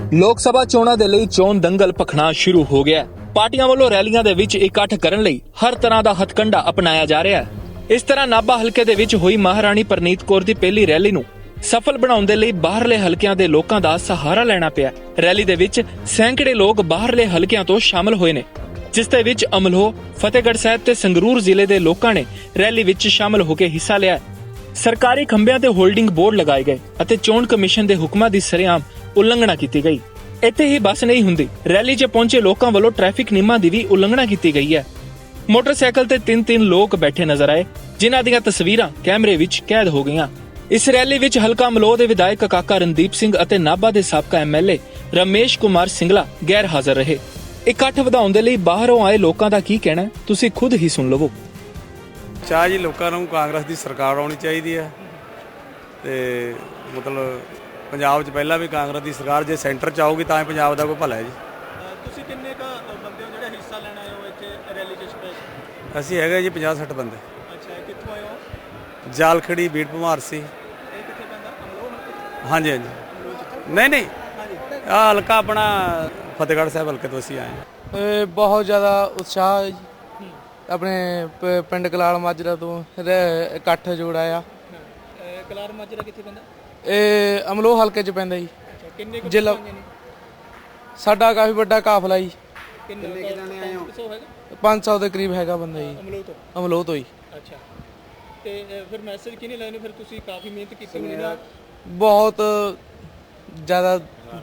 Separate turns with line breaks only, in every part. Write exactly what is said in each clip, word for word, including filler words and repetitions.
ਲੋਕ ਸਭਾ ਚੋਣਾਂ ਦੇ ਲਈ ਚੋਣ ਦੰਗਲ ਭਖਣਾ ਸ਼ੁਰੂ ਹੋ ਗਿਆ। ਪਾਰਟੀਆਂ ਵੱਲੋਂ ਰੈਲੀਆਂ ਦੇ ਵਿੱਚ ਇਕੱਠ ਕਰਨ ਲਈ ਹਰ ਤਰ੍ਹਾਂ ਦਾ ਹਥਕੰਡਾ ਅਪਣਾਇਆ ਜਾ ਰਿਹਾ ਹੈ। ਇਸ ਤਰ੍ਹਾਂ ਨਾਭਾ ਹਲਕੇ ਦੇ ਵਿੱਚ ਹੋਈ ਮਹਾਰਾਣੀ ਪ੍ਰਨੀਤ ਕੌਰ ਦੀ ਪਹਿਲੀ ਰੈਲੀ ਨੂੰ ਸਫਲ ਬਣਾਉਣ ਦੇ ਲਈ ਬਾਹਰਲੇ ਹਲਕਿਆਂ ਦੇ ਲੋਕਾਂ ਦਾ ਸਹਾਰਾ ਲੈਣਾ ਪਿਆ। ਰੈਲੀ ਦੇ ਵਿੱਚ ਸੈਂਕੜੇ ਲੋਕ ਬਾਹਰਲੇ ਹਲਕਿਆਂ ਤੋਂ ਸ਼ਾਮਲ ਹੋਏ ਨੇ, ਜਿਸ ਦੇ ਵਿੱਚ ਅਮਲੋਹ, ਫਤਿਹਗੜ੍ਹ ਸਾਹਿਬ ਤੇ ਸੰਗਰੂਰ ਜ਼ਿਲ੍ਹੇ ਦੇ ਲੋਕਾਂ ਨੇ ਰੈਲੀ ਵਿੱਚ ਸ਼ਾਮਲ ਹੋ ਕੇ ਹਿੱਸਾ ਲਿਆ। ਸਰਕਾਰੀ ਖੰਭਿਆਂ ਤੇ ਹੋਲਡਿੰਗ ਬੋਰਡ ਲਗਾਏ ਗਏ ਅਤੇ ਚੋਣ ਕਮਿਸ਼ਨ ਦੇ ਹੁਕਮਾਂ ਦੀ ਸਰੇਆਮ ਉਲੰਘਣਾ ਕੀਤੀ ਗਈ। ਇੱਥੇ ਹੀ ਬਸ ਨਹੀਂ ਹੁੰਦੀ, ਰੈਲੀ 'ਚ ਪਹੁੰਚੇ ਲੋਕਾਂ ਵੱਲੋਂ ਟ੍ਰੈਫਿਕ ਨਿਯਮਾਂ ਦੀ ਵੀ ਉਲੰਘਣਾ ਕੀਤੀ ਗਈ ਹੈ। ਮੋਟਰਸਾਈਕਲ ਤੇ ਤਿੰਨ ਤਿੰਨ ਲੋਕ ਬੈਠੇ ਨਜ਼ਰ ਆਏ, ਜਿਨ੍ਹਾਂ ਦੀਆਂ ਤਸਵੀਰਾਂ ਕੈਮਰੇ ਵਿੱਚ ਕੈਦ ਹੋ ਗਈਆਂ। ਇਸ ਰੈਲੀ ਵਿੱਚ ਹਲਕਾ ਅਮਲੋਹ ਦੇ ਵਿਧਾਇਕ ਕਾਕਾ ਰਣਦੀਪ ਸਿੰਘ ਅਤੇ ਨਾਭਾ ਦੇ ਸਾਬਕਾ ਐਮਐਲਏ ਰਮੇਸ਼ ਕੁਮਾਰ ਸਿੰਗਲਾ ਗੈਰ ਹਾਜ਼ਰ ਰਹੇ। ਇਕੱਠ ਵਧਾਉਣ ਦੇ ਲਈ ਬਾਹਰੋਂ ਆਏ ਲੋਕਾਂ ਦਾ ਕੀ ਕਹਿਣਾ, ਤੁਸੀਂ ਖੁਦ ਹੀ ਸੁਣ ਲਵੋ।
ਚਾਹ ਜੀ ਲੋਕਾਂ ਨੂੰ ਕਾਂਗਰਸ ਦੀ ਸਰਕਾਰ ਆਉਣੀ ਚਾਹੀਦੀ ਹੈ ਤੇ ਮਤਲਬ ਪੰਜਾਬ 'ਚ ਪਹਿਲਾਂ ਵੀ ਕਾਂਗਰਸ ਦੀ ਸਰਕਾਰ ਜੇ ਸੈਂਟਰ 'ਚ ਆਊਗੀ ਤਾਂ ਹੀ ਪੰਜਾਬ ਦਾ ਕੋਈ ਭਲਾ ਹੈ ਜੀ।
ਤੁਸੀਂ ਕਿੰਨੇ ਕ ਬੰਦੇ ਹੋ ਜਿਹੜੇ ਹਿੱਸਾ ਲੈਣ ਆਏ ਹੋ ਇੱਥੇ ਰੈਲੀ 'ਚ ਸਪੈਸ਼ਲ?
ਅਸੀਂ ਹੈਗੇ ਜੀ ਪੰਜਾਹ ਸੱਠ ਬੰਦੇ।
ਅੱਛਾ, ਕਿੱਥੋਂ ਆਏ ਹੋ?
ਜਾਲਖੜੀ, ਬੀੜ ਭਮਾਰ ਸੀ।
ਇਹ ਕਿੱਥੇ ਪੈਂਦਾ? ਅਮਲੋਹ?
ਹਾਂਜੀ ਹਾਂਜੀ ਨਹੀਂ ਨਹੀਂ ਆਹ ਹਲਕਾ ਆਪਣਾ ਫਤਿਹਗੜ੍ਹ ਸਾਹਿਬ ਹਲਕੇ ਤੋਂ ਅਸੀਂ ਆਏ ਹਾਂ।
ਬਹੁਤ ਜ਼ਿਆਦਾ ਉਤਸ਼ਾਹ ਹੈ ਜੀ। ਆਪਣੇ ਪ- ਪਿੰਡ ਕਲਾਲ ਮਾਜਰਾ ਤੋਂ ਰ- ਇਕੱਠ ਜੋੜਾ ਆ।
ਕਲਾਰ ਮਾਜਰਾ ਕਿੱਥੇ ਪੈਂਦਾ?
ਇਹ ਅਮਲੋਹ ਹਲਕੇ 'ਚ ਪੈਂਦਾ ਜੀ।
ਅੱਛਾ, ਕਿੰਨੇ ਕੁ
ਜ਼ਿਲ੍ਹਾ
ਬੰਦੇ ਨੇ?
ਸਾਡਾ ਕਾਫੀ ਵੱਡਾ ਕਾਫਲਾ ਜੀ,
ਕਿੰਨੇ ਕਿ ਜਾਣੇ ਆਏ ਹੋ? ਹੈਗਾ
ਪੰਜ ਸੌ ਦੇ ਕਰੀਬ ਹੈਗਾ ਬੰਦਾ ਜੀ,
ਅਮਲੋਹ ਤੋਂ।
ਅਮਲੋਹ ਤੋਂ ਹੀ।
ਅੱਛਾ, ਤੇ ਅ, ਫਿਰ ਮੈਸੇਜ ਕਿਹਨੇ ਲੈਣੇ? ਫਿਰ ਤੁਸੀਂ ਕਾਫੀ ਮਿਹਨਤ ਕੀਤੀ ਹੋਣੀ ਨਾ।
ਬਹੁਤ ਜ਼ਿਆਦਾ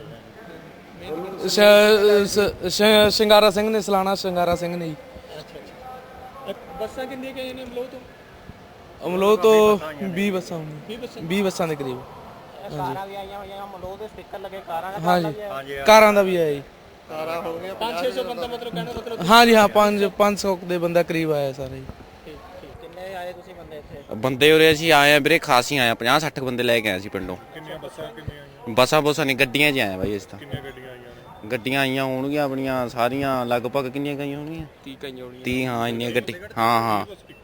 ਸ਼- ਸ਼- ਸ਼- ਸ਼ਿੰਗਾਰਾ ਸਿੰਘ ਨੇ, ਸਲਾਣਾ ਸ਼ਿੰਗਾਰਾ ਸਿੰਘ ਨੇ ਜੀ।
ਅੱਛਾ ਅੱਛਾ, ਅ, ਬੱਸਾਂ ਕਿੰਨੀਆਂ ਗਈਆਂ ਨੇ ਅਮਲੋਹ ਤੋਂ?
ਅਮਲੋਹ ਤੋਂ ਵੀਹ ਬੱਸਾਂ ਹੋਣੀਆਂ,
ਵੀਹ ਬੱਸਾਂ?
ਵੀਹ ਬੱਸਾਂ ਦੇ ਕਰੀਬ।
ਕਾਰਾਂ ਵੀ ਆਈਆਂ ਹੋਈਆਂ, ਅਮਲੋਹ ਦੇ ਸਟicker ਲੱਗੇ ਕਾਰਾਂ ਦਾ।
ਹਾਂਜੀ, ਕਾਰਾਂ ਦਾ ਵੀ ਆਇਆ ਜੀ।
ਕਾਰਾਂ ਹੋ ਗਈਆਂ ਪੰਜ ਛੇ ਸੌ ਬੰਦਾ, ਮਤਲਬ ਕਹਿਣਾ ਮਤਲਬ।
ਹਾਂਜੀ ਹਾਂ, ਪੰਜ ਪੰਜ ਸੌ ਦੇ ਬੰਦਾ ਕਰੀਬ ਆਇਆ ਸਾਰੇ ਜੀ।
ਠੀਕ ਠੀਕ। ਕਿੰਨੇ ਆਏ ਤੁਸੀਂ ਬੰਦੇ ਇੱਥੇ?
ਬੰਦੇ ਉਰੇ ਅਸੀਂ ਆਏ ਆ ਵੀਰੇ, ਖਾਸ ਹੀ ਆਏ ਆ, ਪੰਜਾਹ ਸੱਠ ਬੰਦੇ ਲੈ ਕੇ ਆਏ ਸੀ ਪਿੰਡੋਂ।
ਕਿੰਨੀਆਂ ਬੱਸਾਂ ਕਿੰਨੀਆਂ ਆਈਆਂ?
ਬੱਸਾਂ ਬੋਸਾਂ ਨਹੀਂ, ਗੱਡੀਆਂ 'ਚ ਆਏ ਬਾਈ ਅਸੀਂ ਤਾਂ।
ਕਿੰਨੀਆਂ ਗੱਡੀਆਂ ਆਈਆਂ ਨੇ?
ਗੱਡੀਆਂ ਆਈਆਂ ਹੋਣਗੀਆਂ ਆਪਣੀਆਂ ਸਾਰੀਆਂ ਲਗਭਗ, ਕਿੰਨੀਆਂ ਗਈਆਂ ਹੋਣਗੀਆਂ?
ਤੀਹ ਗਈਆਂ ਹੋਣੀਆਂ।
ਤੀਹ, ਹਾਂ ਇੰਨੀਆਂ ਗੱਡੀ, ਹਾਂ ਹਾਂ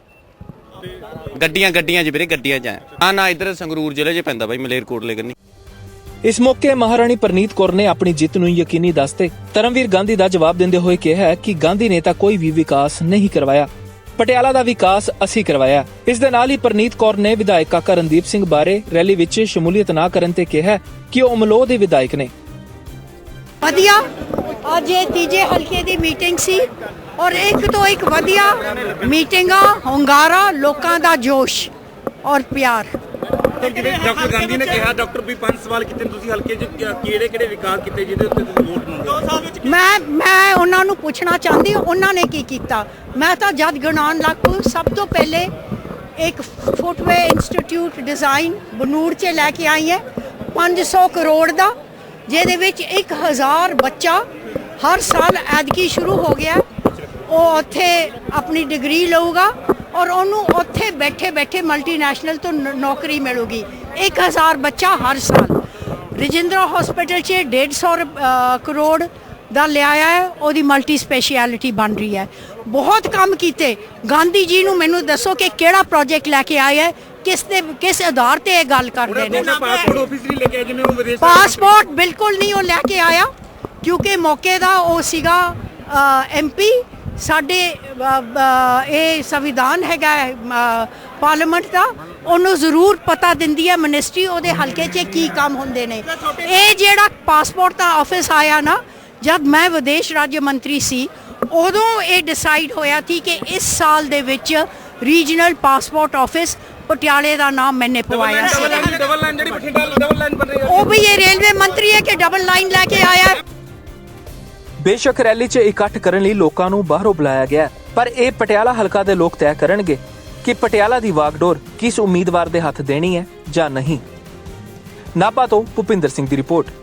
ਗੱਡੀਆਂ ਗੱਡੀਆਂ 'ਚ ਵੀਰੇ, ਗੱਡੀਆਂ 'ਚ ਆਏ। ਹਾਂ ਨਾ, ਇੱਧਰ ਸੰਗਰੂਰ ਜ਼ਿਲ੍ਹੇ 'ਚ ਪੈਂਦਾ ਬਾਈ, ਮਲੇਰਕੋਟਲੇ ਕੰਨੀ।
ਇਸ ਮੌਕੇ ਮਹਾਰਾਣੀ ਪ੍ਰਨੀਤ ਕੌਰ ਨੇ ਆਪਣੀ ਜਿੱਤ ਨੂੰ ਯਕੀਨੀ ਦੱਸਦੇ ਧਰਮਵੀਰ ਗਾਂਧੀ ਦਾ ਜਵਾਬ ਦਿੰਦੇ ਹੋਏ ਕਿਹਾ ਕਿ ਗਾਂਧੀ ਨੇ ਤਾਂ ਕੋਈ ਵੀ ਵਿਕਾਸ ਨਹੀਂ ਕਰਵਾਇਆ, ਪਟਿਆਲਾ ਦਾ ਵਿਕਾਸ ਅਸੀਂ ਕਰਵਾਇਆ। ਇਸ ਦੇ ਨਾਲ ਹੀ ਪ੍ਰਨੀਤ ਕੌਰ ਨੇ ਵਿਧਾਇਕ ਕਾਕਾ ਰਣਦੀਪ ਸਿੰਘ ਬਾਰੇ ਰੈਲੀ ਵਿੱਚ ਸ਼ਮੂਲੀਅਤ ਨਾ ਕਰਨ ਤੇ ਕਿਹਾ ਕਿ ਉਹ ਅਮਲੋਹ ਦੇ ਵਿਧਾਇਕ ਨੇ।
ਵਧੀਆ ਅੱਜ ਇਹ ਤੀਜੇ ਹਲਕੇ ਦੀ ਮੀਟਿੰਗ ਸੀ ਔਰ ਇੱਕ ਤੋਂ ਇੱਕ ਵਧੀਆ ਮੀਟਿੰਗਾਂ, ਹੁੰਗਾਰਾ, ਲੋਕਾਂ ਦਾ ਜੋਸ਼ ਔਰ ਪਿਆਰ।
ਡਾਕਟਰ ਗਾਂਧੀ ਨੇ ਕਿਹਾ, ਡਾਕਟਰ ਵੀ ਪੰਜ ਸਵਾਲ ਕੀਤੇ, ਤੁਸੀਂ ਹਲਕੇ 'ਚ ਕਿਹੜੇ ਕਿਹੜੇ ਵਿਕਾਸ ਕੀਤੇ ਜਿਹਦੇ ਉੱਤੇ ਤੁਸੀਂ ਵੋਟ ਮੰਗਦੇ?
ਮੈਂ ਮੈਂ ਉਹਨਾਂ ਨੂੰ ਪੁੱਛਣਾ ਚਾਹੁੰਦੀ ਉਹਨਾਂ ਨੇ ਕੀ ਕੀਤਾ। ਮੈਂ ਤਾਂ ਜਦ ਗਣਾਉਣ ਲੱਗ ਪਈ, ਸਭ ਤੋਂ ਪਹਿਲੇ ਇੱਕ ਫੁੱਟਵੇ ਇੰਸਟੀਚਿਊਟ ਡਿਜ਼ਾਈਨ ਬਨੂੜ 'ਚ ਲੈ ਕੇ ਆਈ ਹੈ ਪੰਜ ਸੌ ਕਰੋੜ ਦਾ, ਜਿਹਦੇ ਵਿੱਚ ਇੱਕ ਹਜ਼ਾਰ ਬੱਚਾ ਹਰ ਸਾਲ ਐਦਕੀ ਸ਼ੁਰੂ ਹੋ ਗਿਆ। ਉਹ ਉੱਥੇ ਆਪਣੀ ਡਿਗਰੀ ਲਊਗਾ ਔਰ ਉਹਨੂੰ ਉੱਥੇ ਬੈਠੇ ਬੈਠੇ ਮਲਟੀਨੈਸ਼ਨਲ ਤੋਂ ਨੌਕਰੀ ਮਿਲੂਗੀ। ਇੱਕ ਹਜ਼ਾਰ ਬੱਚਾ ਹਰ ਸਾਲ। ਰਜਿੰਦਰਾ ਹਸਪੀਟਲ 'ਚ ਡੇਢ ਸੌ ਕਰੋੜ ਦਾ ਲਿਆਇਆ ਹੈ, ਉਹਦੀ ਮਲਟੀ ਸਪੈਸ਼ਲਿਟੀ ਬਣ ਰਹੀ ਹੈ। ਬਹੁਤ ਕੰਮ ਕੀਤੇ। ਗਾਂਧੀ ਜੀ ਨੂੰ ਮੈਨੂੰ ਦੱਸੋ ਕਿ ਕਿਹੜਾ ਪ੍ਰੋਜੈਕਟ ਲੈ ਕੇ ਆਇਆ ਹੈ, ਕਿਸ ਦੇ ਕਿਸ ਆਧਾਰ ਤੇ ਇਹ ਗੱਲ ਕਰਦੇ ਨੇ।
ਪਾਸਪੋਰਟ ਆਫਿਸ ਨਹੀਂ ਲੈ ਕੇ ਆਏ ਜਿਵੇਂ ਉਹ ਵਿਦੇਸ਼?
ਪਾਸਪੋਰਟ ਬਿਲਕੁਲ ਨਹੀਂ ਉਹ ਲੈ ਕੇ ਆਇਆ, ਕਿਉਂਕਿ ਮੌਕੇ ਦਾ ਉਹ ਸੀਗਾ ਐਮਪੀ ਸਾਡੇ। ਇਹ ਸੰਵਿਧਾਨ ਹੈਗਾ ਪਾਰਲੀਮੈਂਟ ਦਾ, ਉਹਨੂੰ ਜ਼ਰੂਰ ਪਤਾ ਦਿੰਦੀ ਹੈ ਮਿਨਿਸਟਰੀ ਉਹਦੇ ਹਲਕੇ 'ਚ ਕੀ ਕੰਮ ਹੁੰਦੇ ਨੇ। ਇਹ ਜਿਹੜਾ ਪਾਸਪੋਰਟ ਦਾ ਆਫਿਸ ਆਇਆ ਨਾ, ਜਦ ਮੈਂ ਵਿਦੇਸ਼ ਰਾਜ ਮੰਤਰੀ ਸੀ ਉਦੋਂ ਇਹ ਡਿਸਾਈਡ ਹੋਇਆ ਸੀ ਕਿ ਇਸ ਸਾਲ ਦੇ ਵਿੱਚ ਰੀਜਨਲ ਪਾਸਪੋਰਟ ਆਫਿਸ ਪਟਿਆਲੇ ਦਾ ਨਾਮ ਮੈਨੇ ਪਵਾਇਆ ਸੀ।
ਡਬਲ ਲਾਈਨ ਜਿਹੜੀ ਬਠਿੰਡਾ ਡਬਲ ਲਾਈਨ ਬਣ ਰਹੀ ਹੈ,
ਉਹ ਵੀ ਇਹ ਰੇਲਵੇ ਮੰਤਰੀ ਹੈ ਕਿ ਡਬਲ ਲਾਈਨ ਲੈ ਕੇ ਆਇਆ।
ਬੇਸ਼ੱਕ ਰੈਲੀ 'ਚ ਇਕੱਠ ਕਰਨ ਲਈ ਲੋਕਾਂ ਨੂੰ ਬਾਹਰੋਂ ਬੁਲਾਇਆ ਗਿਆ, ਪਰ ਇਹ ਪਟਿਆਲਾ ਹਲਕਾ ਦੇ ਲੋਕ ਤੈਅ ਕਰਨਗੇ ਕਿ ਪਟਿਆਲਾ ਦੀ ਵਾਗਡੋਰ ਕਿਸ ਉਮੀਦਵਾਰ ਦੇ ਹੱਥ ਦੇਣੀ ਹੈ ਜਾਂ ਨਹੀਂ। ਨਾਭਾ ਤੋਂ ਭੁਪਿੰਦਰ ਸਿੰਘ ਦੀ ਰਿਪੋਰਟ।